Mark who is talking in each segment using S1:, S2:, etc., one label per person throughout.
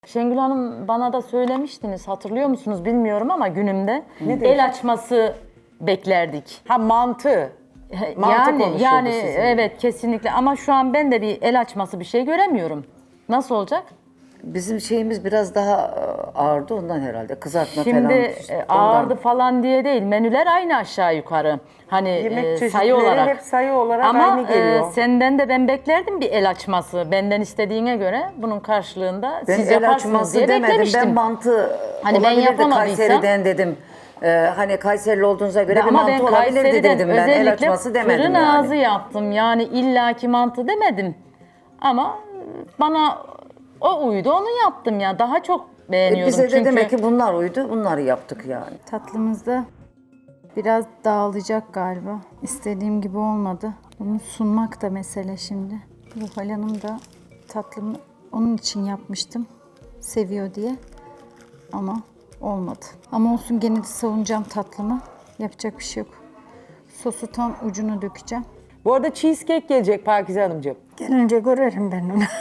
S1: Şengül Hanım bana da söylemiştiniz, hatırlıyor musunuz bilmiyorum ama günümde el açması beklerdik.
S2: Ha mantı. Mantı konuşuldu
S1: Yani
S2: sizinle.
S1: evet kesinlikle ama şu an ben de bir el açması bir şey göremiyorum. Nasıl olacak?
S3: Bizim şeyimiz biraz daha ağırdı ondan herhalde. Kızartma
S1: Şimdi
S3: falan.
S1: ağırdı falan diye değil. Menüler aynı aşağı yukarı. Hani
S2: Yemek çeşitleri
S1: sayı olarak.
S2: hep sayı olarak
S1: Ama
S2: aynı geliyor.
S1: senden de ben beklerdim bir el açması. Benden istediğine göre bunun karşılığında
S3: Ben
S1: siz
S3: el
S1: yaparsınız
S3: açması
S1: diye
S3: demedim.
S1: beklemiştim.
S3: Ben mantı
S1: Hani ben
S3: olabilirdi
S1: yapamadıysam-
S3: Kayseri'den dedim. Hani Kayserili olduğunuza göre bir
S1: Ama
S3: mantı
S1: ben
S3: olabilirdi
S1: Kayseri'den
S3: dedim ben. El
S1: özellikle
S3: açması demedim
S1: fırın
S3: yani.
S1: ağzı yaptım. Yani illaki mantı demedim. Ama bana o uydu onu yaptım ya. Daha çok beğeniyordum
S3: Bize de
S1: çünkü.
S3: demek ki bunlar uydu. Bunları yaptık yani.
S4: Tatlımızda biraz dağılacak galiba. İstediğim gibi olmadı. Bunu sunmak da mesele şimdi. Ruhal Hanım da tatlımı onun için yapmıştım. Seviyor diye. Ama olmadı. Ama olsun, gene de savunacağım tatlımı. Yapacak bir şey yok. Sosu tam ucunu dökeceğim.
S2: Bu arada cheesecake gelecek Pakize Hanımcığım.
S5: Gelince görelim ben onu.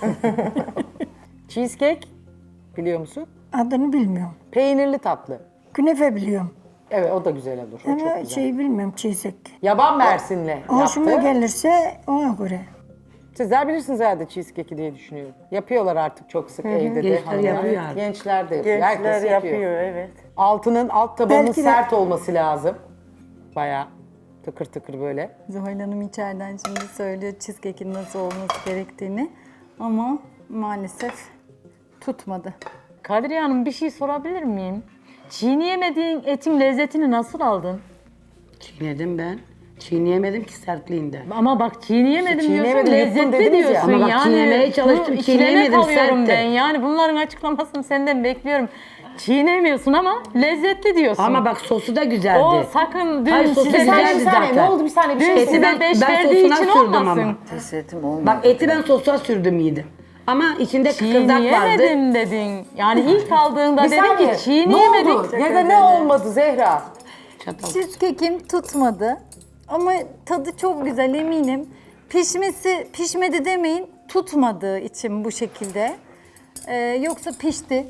S2: Cheesecake biliyor musun?
S5: Adını bilmiyorum.
S2: Peynirli tatlı.
S5: Künefe biliyorum.
S2: Evet o da güzel olur. O çok
S5: Ama
S2: güzel.
S5: şey bilmiyorum, çiğsek.
S2: Yaban mersinli
S5: Hoşuma
S2: yaptı.
S5: gelirse ona göre.
S2: Sizler bilirsiniz herhalde cheesecake'i diye düşünüyorum. Yapıyorlar artık çok sık evde de.
S6: Gençler
S2: hanımlar.
S6: yapıyor artık.
S2: Gençler de yapıyor. Herkes yapıyor.
S7: evet.
S2: Altının alt tabanının
S5: Belki de-
S2: sert olması lazım. Bayağı tıkır tıkır böyle.
S4: Zuhal Hanım içeriden şimdi söylüyor cheesecake'in nasıl olması gerektiğini. Ama maalesef tutmadı.
S1: Kadriye Hanım bir şey sorabilir miyim? Çiğneyemediğin etin lezzetini nasıl aldın?
S6: Çiğnedim ben. Çiğneyemedim ki sertliğinden.
S1: Ama bak çiğneyemedim diyorsun,
S2: Çiğneyemedim, yuttum
S1: lezzetli
S2: dediniz ya.
S1: diyorsun.
S6: Ama bak
S1: yani
S6: çiğnemeye çalıştım,
S1: bu ikileme
S6: çiğneyemedim,
S1: kalıyorum
S6: sertti.
S1: ben. Yani bunların açıklamasını senden bekliyorum. Çiğnemiyorsun ama lezzetli diyorsun.
S6: Ama bak sosu da güzeldi.
S1: o sakın dün
S6: Hayır, sosu
S1: size
S6: güzeldi
S1: beş,
S2: Bir saniye
S6: zaten.
S2: ne oldu bir saniye bir
S1: dün
S2: şey
S1: size
S2: söyleyeyim.
S1: beş
S6: ben
S1: verdiği
S6: sosuna
S1: için
S6: sürdüm
S1: olmasın.
S6: ama.
S3: Tesetim olmadı.
S6: Bak eti ben sosa sürdüm yedim. Ama içinde kıkırdak vardı.
S1: Çiğneyemedim dedin. Yani ilk aldığında
S2: Bir
S1: dedin
S2: saniye.
S1: ki çiğneyemedik.
S2: Ne oldu? Ya da ne olmadı Zehra?
S6: Çatal.
S4: Cheesecake'im tutmadı. Ama tadı çok güzel, eminim. Pişmedi demeyin, tutmadığı için bu şekilde. Yoksa pişti.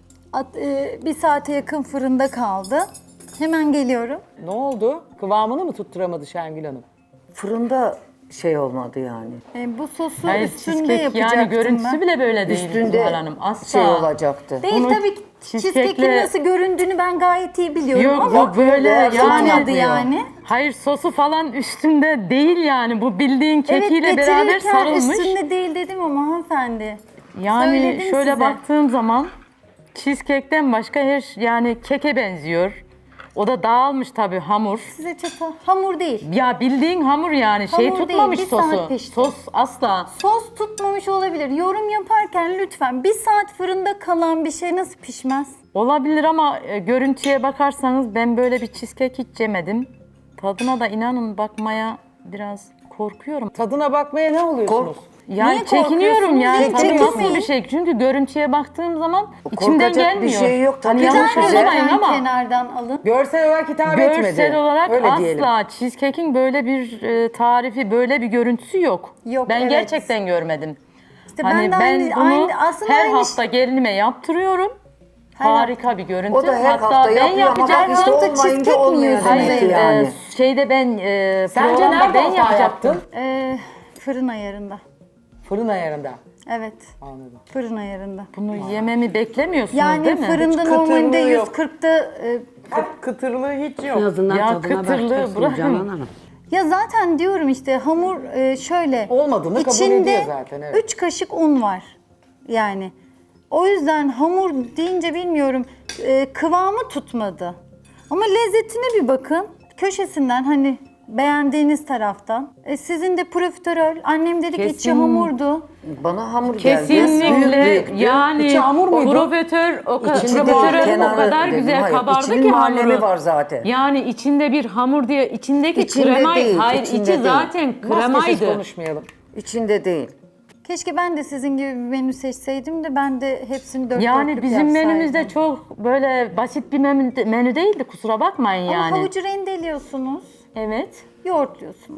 S4: Bir saate yakın fırında kaldı. Hemen geliyorum.
S2: Ne oldu? Kıvamını mı tutturamadı Şengül Hanım?
S3: Fırında şey olmadı yani.
S4: Bu sosu
S1: Hayır,
S4: üstünde
S1: cheesecake
S4: yapacaktım
S1: yani görüntüsü
S4: ben.
S1: bile böyle değil
S3: Üstünde
S1: Zuhal Hanım. Asla.
S3: şey olacaktı.
S4: Değil
S1: Bunu
S4: tabii ki. Cheesecake'in nasıl göründüğünü ben gayet iyi biliyorum
S1: Yok
S4: ama
S1: yok böyle yani.
S4: tutmadı yani.
S1: Hayır sosu falan üstünde değil yani. Bu bildiğin kekiyle
S4: Evet,
S1: beraber
S4: getirirken
S1: sarılmış.
S4: üstünde değil dedim ama hanımefendi.
S1: Yani
S4: Söyledim
S1: şöyle
S4: size.
S1: baktığım zaman cheesecake'ten başka her yani keke benziyor. O da dağılmış tabii hamur.
S4: Size çatal. Hamur değil.
S1: Ya bildiğin hamur yani şey
S4: Hamur değil,
S1: tutmamış
S4: bir saat
S1: sosu.
S4: pişti.
S1: Sos asla.
S4: Sos tutmamış olabilir. Yorum yaparken lütfen bir saat fırında kalan bir şey nasıl pişmez?
S1: Olabilir ama görüntüye bakarsanız ben böyle bir cheesecake hiç yemedim. Tadına da inanın bakmaya biraz korkuyorum.
S2: Tadına bakmaya ne oluyorsunuz?
S1: Yani
S4: Niye
S1: çekiniyorum
S4: korkuyorsunuz?
S1: yani
S4: Hiç
S1: tadı nasıl
S4: çekinmeyin.
S1: bir şey. Çünkü görüntüye baktığım zaman içimden
S3: Korkacak
S1: gelmiyor.
S3: bir şey yok. Tabii
S1: Hani yanlış
S3: güzel.
S1: anlamayın
S4: Lütfen
S1: ama
S4: kenardan alın.
S2: Görsel olarak hitap etmedi.
S1: görsel olarak
S2: Öyle
S1: asla
S2: diyelim.
S1: cheesecake'in böyle bir tarifi, böyle bir görüntüsü yok.
S4: Yok,
S1: Ben
S4: evet.
S1: gerçekten görmedim.
S4: İşte
S1: Hani
S4: ben de aynı, aslında
S1: her
S4: aynı
S1: hafta gelinime yaptırıyorum. Harika bir görüntü.
S3: O da her
S1: Hatta
S3: hafta
S1: ben
S3: yapıyor ama bak
S1: yapacaktım.
S3: işte
S4: hafta
S3: olmayınca
S4: cheesecake mi
S3: olmuyor
S4: yiyorsunuz
S3: demek ki
S1: Hayır,
S3: yani.
S1: şeyde ben
S2: Sence
S1: programda
S2: nerede
S1: ben
S2: hata
S1: yapacaktım.
S2: yaptın?
S4: Fırın ayarında.
S2: Fırın ayarında.
S4: Evet,
S2: Anladım.
S4: fırın ayarında.
S1: Bunu yememi beklemiyorsunuz
S4: Yani
S1: değil mi?
S4: fırında
S2: Hiç
S4: normalde
S2: kıtırlığı yok.
S4: 140'da
S2: Kıtırlığı hiç
S6: En
S2: yok.
S6: azından
S1: Ya
S6: tadına
S1: kıtırlığı
S6: bakacaksın
S1: bırakın.
S6: Canan Hanım.
S4: ya zaten diyorum işte hamur şöyle.
S2: Olmadığını kabul
S4: içinde
S2: ediyor zaten, evet.
S4: 3 kaşık un var. Yani o yüzden hamur deyince bilmiyorum kıvamı tutmadı. Ama lezzetine bir bakın. Köşesinden hani beğendiğiniz taraftan. Sizin de profiterol. Annem dedi ki içi
S1: Kesin.
S4: hamurdu.
S3: Bana hamur geldi.
S1: Kesinlikle
S3: Büyüktü.
S1: yani
S2: İçi hamur muydu?
S1: profiterol o
S3: İçinde
S1: profiterol
S3: kenarı
S1: o kadar
S3: dedim,
S1: güzel
S3: hayır,
S1: kabardı
S3: içinin
S1: ki
S3: muhallemi
S1: hamuru.
S3: var zaten.
S1: Yani içinde bir hamur diye içindeki
S3: İçinde
S1: krema
S3: değil,
S1: hayır
S3: içinde
S1: içi
S3: değil.
S1: zaten
S2: Maskesiz
S1: kremaydı.
S2: konuşmayalım.
S3: İçinde değil.
S4: Keşke ben de sizin gibi bir menü seçseydim de ben de hepsini dört
S1: Yani
S4: dörtlük
S1: bizim
S4: yapsaydım.
S1: menümüzde çok böyle basit bir menü değildi kusura bakmayın
S4: Ama
S1: yani.
S4: havucu rendeliyorsunuz,
S1: Evet.
S4: yoğurtluyorsunuz.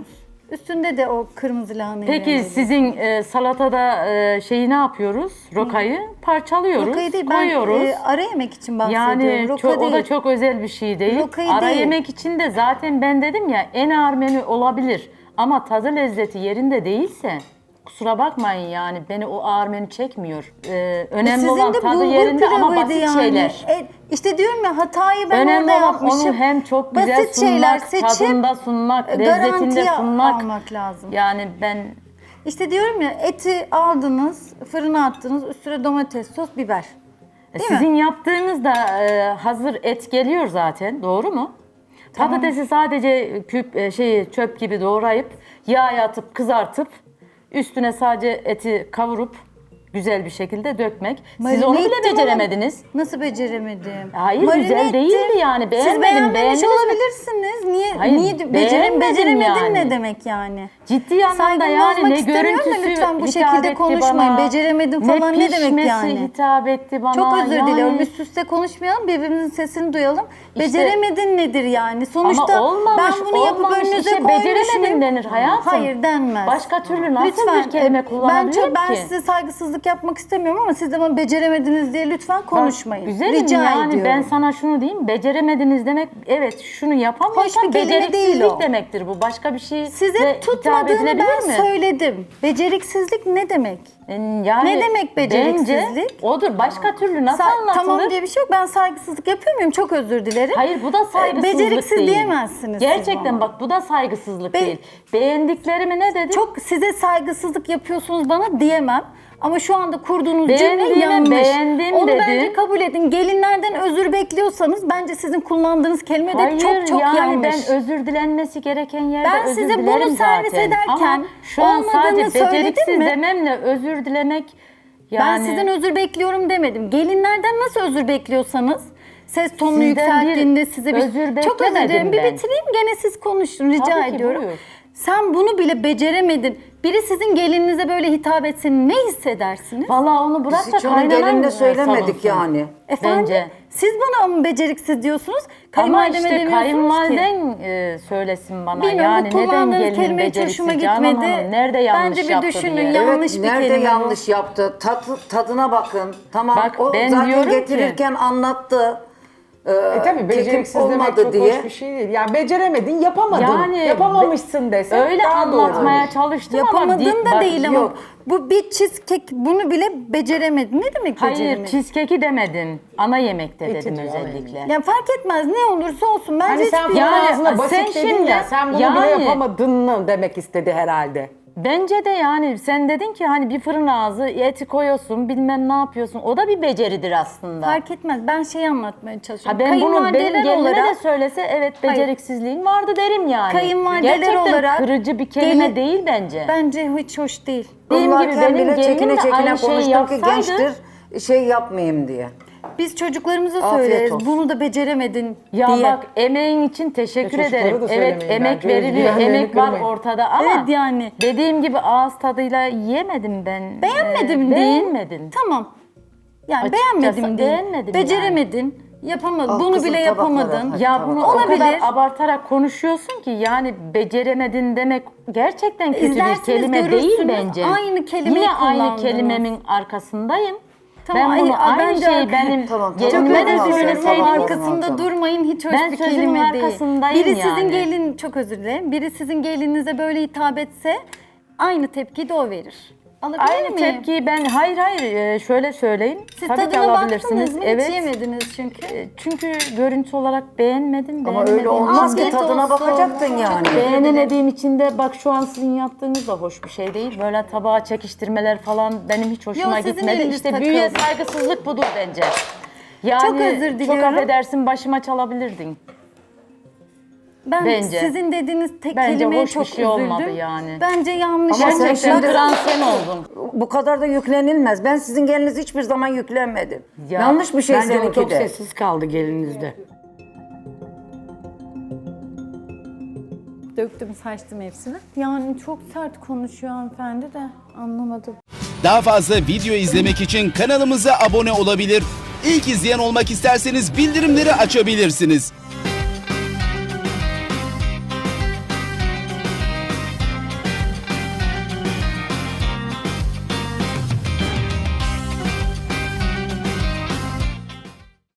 S4: Üstünde de o kırmızı lahanayı
S1: Peki
S4: rendeleyeceğim.
S1: sizin salatada şeyi ne yapıyoruz? Rokayı parçalıyoruz,
S4: Rokayı değil, ben
S1: koyuyoruz.
S4: ara yemek için bahsediyorum.
S1: Yani
S4: Roka
S1: çok, o da
S4: değil.
S1: çok özel bir şey değil.
S4: Rokayı
S1: Ara
S4: değil.
S1: yemek için de zaten ben dedim ya en ağır menü olabilir. Ama tadı lezzeti yerinde değilse kusura bakmayın yani beni o ağır menü çekmiyor. Önemli
S4: Sizin
S1: olan
S4: de
S1: tadı
S4: bulgur
S1: yerinde ama
S4: pilavıydı
S1: basit
S4: yani.
S1: şeyler.
S4: İşte diyorum ya hatayı ben
S1: Önemli
S4: orada
S1: olan
S4: yapmışım.
S1: onu hem çok güzel
S4: Basit
S1: sunmak,
S4: şeyler seçip
S1: tadında sunmak, lezzetinde
S4: garantiye
S1: sunmak.
S4: almak lazım.
S1: Yani ben
S4: İşte diyorum ya eti aldınız, fırına attınız, üstüne domates, sos, biber. Değil mi?
S1: sizin yaptığınız da hazır et geliyor zaten, doğru mu? Patatesi sadece çöp gibi doğrayıp yağa atıp kızartıp üstüne sadece eti kavurup güzel bir şekilde dökmek. Siz
S4: Marine
S1: onu bile
S4: ettim ama
S1: beceremediniz.
S4: Nasıl beceremedim?
S1: Hayır,
S4: Marine
S1: güzel
S4: ettim.
S1: değildi yani.
S4: Siz
S1: Beğenmedim,
S4: beğenmemiş
S1: beğendiniz mi?
S4: olabilirsiniz. Niye
S1: Hayır,
S4: beceremedin
S1: beğenmedim yani.
S4: ne demek yani?
S1: Ciddi anlamda
S4: Saygımı
S1: yani
S4: bozmak
S1: ne
S4: istemiyorum da
S1: görüntüsü
S4: lütfen bu
S1: hitap
S4: şekilde
S1: etti
S4: konuşmayın.
S1: bana,
S4: Beceremedim falan ne demek
S1: pişmesi
S4: yani?
S1: hitap etti bana.
S4: Çok özür
S1: yani.
S4: diliyorum. Üst üste konuşmayalım, birbirimizin sesini duyalım.
S1: İşte-
S4: Beceremedin nedir yani? Sonuçta
S1: Ama olmamış,
S4: ben bunu yapıp
S1: olmamış.
S4: önünüze
S1: İşte
S4: koymuşum.
S1: beceremedin denir hayatım.
S4: Hayır denmez.
S1: Başka türlü nasıl bir kelime kullanabilirim
S4: ben
S1: ki?
S4: size saygısızlık yapmak istemiyorum ama siz de bana beceremediniz diye lütfen konuşmayın.
S1: Güzelim
S4: Rica
S1: yani
S4: ediyorum.
S1: ben sana şunu diyeyim, beceremediniz demek, evet şunu
S4: Hoş
S1: yapamıyorsan
S4: bir kelime değil
S1: beceriksizlik
S4: o.
S1: demektir bu. Başka bir şey
S4: Size tutmadığını ben söyledim. Beceriksizlik ne demek?
S1: Yani
S4: Ne demek beceriksizlik?
S1: Bence odur. Başka türlü nasıl anlatılır?
S4: Tamam diye bir şey yok. Ben saygısızlık yapıyor muyum? Çok özür dilerim.
S1: Hayır bu da saygısızlık
S4: Beceriksiz
S1: değil.
S4: diyemezsiniz siz
S1: Gerçekten
S4: bana.
S1: bak bu da saygısızlık
S4: Be-
S1: değil. Beğendiklerimi ne dedim?
S4: Çok size saygısızlık yapıyorsunuz bana diyemem. Ama şu anda kurduğunuz cümle
S1: Beğendiğime
S4: yanlış.
S1: beğendim
S4: Onu
S1: dedim.
S4: bence kabul edin. Gelinlerden özür bekliyorsanız bence sizin kullandığınız kelime de
S1: Hayır
S4: çok
S1: yani
S4: yanlış.
S1: ben özür dilenmesi gereken yerde
S4: Ben
S1: özür
S4: size bunu
S1: dilerim
S4: servis
S1: zaten.
S4: ederken
S1: Ama şu an
S4: olmadığını
S1: sadece
S4: söyledim
S1: beceriksiz
S4: mi?
S1: dememle özür dilemek yani...
S4: Ben sizden özür bekliyorum demedim. Gelinlerden nasıl özür bekliyorsanız ses tonunu
S1: Sizden bir
S4: yükselttiğinde size bir...
S1: özür
S4: Çok özür dilerim.
S1: beklemedim
S4: Bir
S1: ben.
S4: bitireyim gene siz konuşun rica
S1: Tabii ki,
S4: ediyorum.
S1: buyur.
S4: Sen bunu bile beceremedin. Biri sizin gelininize böyle hitap etse ne hissedersiniz?
S1: Vallahi onu bırak
S3: Biz
S1: da
S3: hiç onun
S1: kaynanan
S3: gelinine söylemedik
S1: savunsun.
S3: yani.
S4: Efendim
S1: Bence.
S4: siz bana mı beceriksiz diyorsunuz?
S1: Ama
S4: Kayınvalideme
S1: işte
S4: demiyorsunuz ki.
S1: kayınvaliden söylesin bana.
S4: Bilmiyorum,
S1: yani
S4: bu
S1: neden
S4: kullandığınız
S1: gelin
S4: kelime hiç
S1: beceriksiz
S4: hoşuma
S1: Canan
S4: gitmedi.
S1: Hanım? Nerede yanlış
S4: Bence bir
S1: yaptı
S4: düşünün
S1: diye.
S4: ya. Yanlış
S3: Evet,
S4: bir
S3: nerede
S4: kelime bu.
S3: yanlış yaptı? Tadına bakın. Tamam
S1: Bak,
S3: o
S1: ben
S3: zaten
S1: diyorum ki-
S3: getirirken anlattı.
S2: Tabii beceriksiz
S3: kekim
S2: demek
S3: olmadı
S2: çok
S3: diye.
S2: hoş bir şey değil. Yani beceremedin, yapamadın.
S1: Yani
S2: Yapamamışsın desen
S1: Öyle
S2: daha doğru
S1: anlatmaya
S2: olur.
S1: çalıştım ama...
S4: Yapamadın da
S1: bak,
S4: değil ama
S3: yok.
S4: bu bir cheesecake bunu bile beceremedin. Ne demek
S1: Hayır,
S4: beceremedin?
S1: cheesecake'i demedim. Ana yemekte
S2: Eti
S1: dedim
S2: diyor,
S1: özellikle.
S4: Ya fark etmez ne olursa olsun. Bence
S2: Hani sen
S4: hiçbir
S1: Yani
S2: ağzına basit
S1: sen
S2: dedin
S1: şimdi-
S2: ya, sen bunu bile
S1: yani-
S2: yapamadın mı demek istedi herhalde.
S1: Bence de yani sen dedin ki hani bir fırın ağzı eti koyuyorsun bilmem ne yapıyorsun. O da bir beceridir aslında.
S4: fark etmez. Ben şey anlatmaya çalışıyorum.
S1: Ha ben bunu benim
S4: Kayınvalideler
S1: gelinime de söylese evet beceriksizliğin vardı derim yani.
S4: Kayınvalideler
S1: Gerçekten
S4: olarak
S1: kırıcı bir kelime
S4: gelin-
S1: değil bence.
S4: bence hiç hoş değil.
S1: Dediğim gibi
S3: Kullarken
S1: benim
S3: bile
S1: gelinim
S3: çekine
S1: de
S3: çekine
S1: aynı şeyi
S3: konuştum ki
S1: yapsaydı-
S3: gençtir şey yapmayayım diye.
S4: Biz çocuklarımıza
S3: Afiyet
S4: söyleriz.
S3: olsun.
S4: Bunu da beceremedin
S1: Ya
S4: diye.
S1: bak emeğin için teşekkür
S2: Ya çocuklara
S1: ederim.
S2: da
S1: Evet
S2: söylemeyin
S1: emek
S2: bence,
S1: veriliyor,
S2: özgüvenlerini
S1: emek var
S2: kırmayın.
S1: ortada ama
S4: Evet yani.
S1: dediğim gibi ağız tadıyla yiyemedim ben.
S4: Beğenmedim değil.
S1: Beğenmedin.
S4: Tamam. Yani
S1: Açıkçası
S4: beğenmedim değil.
S1: beğenmedim
S4: Beceremedin. Yapamadın.
S3: Ah,
S4: Bunu
S3: kızın
S4: bile
S3: tabakları.
S4: yapamadın.
S3: Hadi.
S1: Ya bunu o
S4: Olabilir.
S1: kadar abartarak konuşuyorsun ki yani beceremedin demek gerçekten kötü
S4: İzlersiniz,
S1: bir kelime değil
S4: görürsünüz.
S1: bence.
S4: Aynı kelimeyi
S1: Yine aynı
S4: kullandınız.
S1: kelimemin arkasındayım.
S4: Tamam,
S1: ben bunu aynı
S4: bence
S1: şeyi benim
S3: Tamam,
S4: Çok
S3: tamam.
S1: gelinime de
S4: özür dilerim.
S1: söyleseydim.
S3: Tamam.
S4: Arkasında
S3: Tamam.
S4: durmayın. Hiç hoş
S1: Ben
S4: bir
S1: sözümün
S4: kelime değil.
S1: arkasındayım
S4: Biri sizin
S1: yani.
S4: gelin, çok özür dilerim. Biri sizin gelinize böyle hitap etse aynı tepkiyi de o verir. Alabilir
S1: Aynı
S4: miyim?
S1: tepkiyi ben hayır şöyle söyleyeyim.
S4: Siz
S1: Tabii ki
S4: tadına
S1: alabilirsiniz.
S4: baktınız mı?
S1: Evet.
S4: Hiç yemediniz çünkü.
S1: Çünkü görüntü olarak beğenmedim.
S3: Ama
S1: beğenemediğim
S3: öyle olmaz ki
S4: Afiyet
S3: tadına
S4: olsun.
S3: bakacaktın yani.
S1: Beğenemediğim için de bak şu an sizin yaptığınız da hoş bir şey değil. Böyle tabağa çekiştirmeler falan benim hiç hoşuma
S4: sizin
S1: gitmedi.
S4: eliniz
S1: İşte
S4: takıldı.
S1: büyüye saygısızlık budur bence. Yani
S4: Çok özür diliyorum.
S1: Çok affedersin başıma çalabilirdin.
S4: Ben
S1: Bence.
S4: sizin dediğiniz tek
S1: Bence
S4: kelimeye
S1: hoş bir
S4: çok
S1: şey
S4: üzüldüm.
S1: olmadı yani.
S4: Bence yanlış.
S3: Ama sen
S1: Gerçekten
S3: şimdi-
S1: kıran sen oldun.
S3: Bu kadar da yüklenilmez. Ben sizin geliniz hiçbir zaman yüklenmedim.
S1: Ya,
S3: Yanlış bir şey
S6: Bence o
S3: seninki
S6: çok
S3: de.
S6: sessiz kaldı gelinizde.
S4: Döktüm, saçtım hepsini. Yani çok sert konuşuyor hanımefendi de anlamadım.
S7: Daha fazla video izlemek için kanalımıza abone olabilir. İlk izleyen olmak isterseniz bildirimleri açabilirsiniz.